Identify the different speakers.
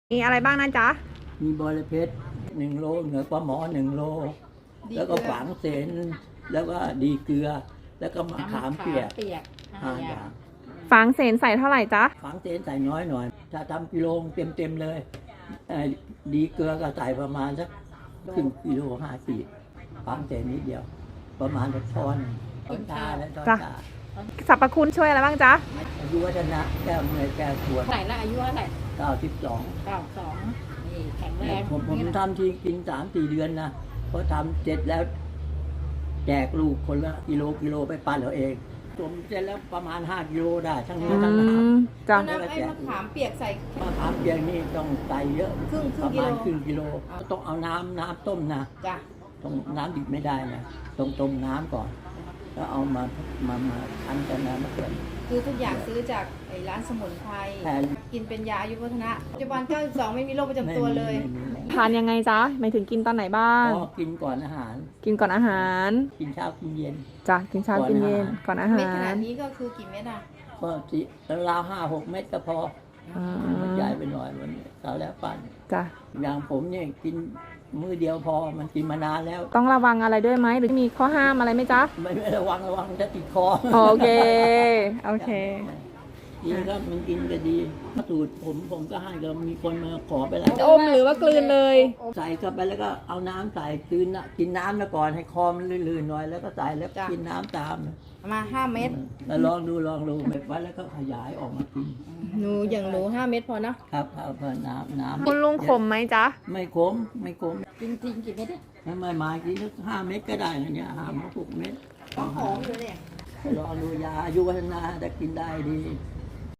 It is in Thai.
Speaker 1: มีอะไรบ้างนะจ๊ะ
Speaker 2: มีบอระเพ็ด1 โลเหนือปลาหมอ1 โลแล้วก็ฝางเสนแล้วก็ดีเกลือ แล้วก็มะขามเปียก5 อย่าง
Speaker 1: ฝางเสนใส่เท่าไหร่จ๊ะ
Speaker 2: ฝางเสนใส่น้อยหน่อยถ้าทำกิโลเต็มเลยดีเกลือก็ใส่ประมาณสัก1 กิโล5 ขีดฝางเสนนิดเดียวประมาณสักช้อนชาและช้อนชา
Speaker 1: สรรพคุณช่วยอะไรบ้างจ๊ะ
Speaker 2: อายุวัฒนะแก้วเนยแก้วขวด
Speaker 3: ไหนละอายุเท่าไหร่
Speaker 2: 92
Speaker 3: นี่แข็งแรง
Speaker 2: ผมทำทีกิน3-4 เดือนนะพอทำเสร็จแล้วแจกลูกคนละกิโลไปปั้นเอาเองผมเสร็จแล้วประมาณ5 กิโลได้ทั้งเนื้อทั้งน้ำ
Speaker 1: จ้ะ
Speaker 3: น้ำไอ้มะขามเปียกใส่
Speaker 2: มะขามเปียกนี่ต้องใส่เยอะประมาณครึ่งกิโล
Speaker 3: เอา
Speaker 2: ต้องเอาน้ำต้มนะ
Speaker 3: จ้ะ
Speaker 2: ต้องน้ำดิบไม่ได้นะต้องต้มน้ำก่อนแล้วเอามาคั้นกันน้ำมาเกิน
Speaker 3: คือทุกอย่างซื้อจากไอ้ร้านสมุนไพรกินเป็นยาอายุวัฒนะปัจจุบัน92ไม่มีโรคประจำตัวเลย
Speaker 1: ทานยังไงจ๊ะหมายถึงกินตอนไหนบ้าง
Speaker 2: ก็กินก่อนอาหาร
Speaker 1: กินก่อนอาหาร
Speaker 2: กินเช้ากินเย็น
Speaker 1: จ้ะกินเช้ากินเย็นก่อนอาหา
Speaker 3: เม็ดขนา
Speaker 1: ร
Speaker 3: ดนี้ก็คือกี่เม็ดอ่ะ
Speaker 2: ก็ราว5-6 เม็ดก็พอ
Speaker 1: อ่า
Speaker 2: มันใหญ่ไปหน่อยมันเสาแล้วปั่น
Speaker 1: จ้ะ
Speaker 2: อย่างผมเนี่ยกินมื้อเดียวพอมันกินมานานแล้ว
Speaker 1: ต้องระวังอะไรด้วยไหมหรือมีข้อห้ามอะไรไหมจ๊ะ
Speaker 2: ไม่ระวังจะติดคอ
Speaker 1: โอเคโอเค
Speaker 2: ดีครับมันกินก็ดีสูตรผมก็ให้ก็มีคนมาขอไปแล้ว
Speaker 1: อมหรือว่ากลืนเลย
Speaker 2: ใส่เข้าไปแล้วก็เอาน้ำใส่กินน้ำแล้วก่อนให้คอมันลื่นๆหน่อยแล้วก็ใส่แล้วกินน้ำตาม
Speaker 3: มา5 เม็ด
Speaker 2: แล้วลองดูเม็ดไว้แล้วก็ขยายออกมากิน
Speaker 3: หนูอย่างหนู5 เม็ดพอเนาะ
Speaker 2: ครับเพื่อน้ำ
Speaker 1: คุณลุงขมไหมจ๊ะ
Speaker 2: ไม่ขม
Speaker 3: จริงๆกี่เม็ดเนี่ย
Speaker 2: ไม่มากินสัก5 เม็ดก็ได้นะเนี่ย5-6 เม็ด
Speaker 3: หอมเลยเนี่ย
Speaker 2: ลองดูยาอายุวัฒนะจะกินได้ดี